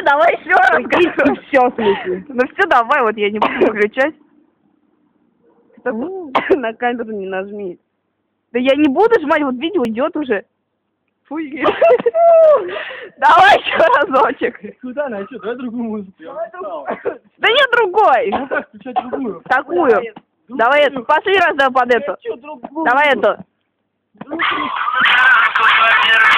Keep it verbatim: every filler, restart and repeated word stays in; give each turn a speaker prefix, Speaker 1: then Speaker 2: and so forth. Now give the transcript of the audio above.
Speaker 1: давай еще раз.
Speaker 2: И все, в смысле.
Speaker 1: Ну все, давай, вот я не буду выключать.
Speaker 2: На камеру не нажми.
Speaker 1: Да я не буду жмать, вот видео идет уже. Фуй. Давай еще разочек.
Speaker 3: Куда она? Что, давай другую музыку.
Speaker 1: Да нет другой.
Speaker 3: Ну как, включать другую?
Speaker 1: Такую. Давай эту. Последний раз давай под эту. Давай эту.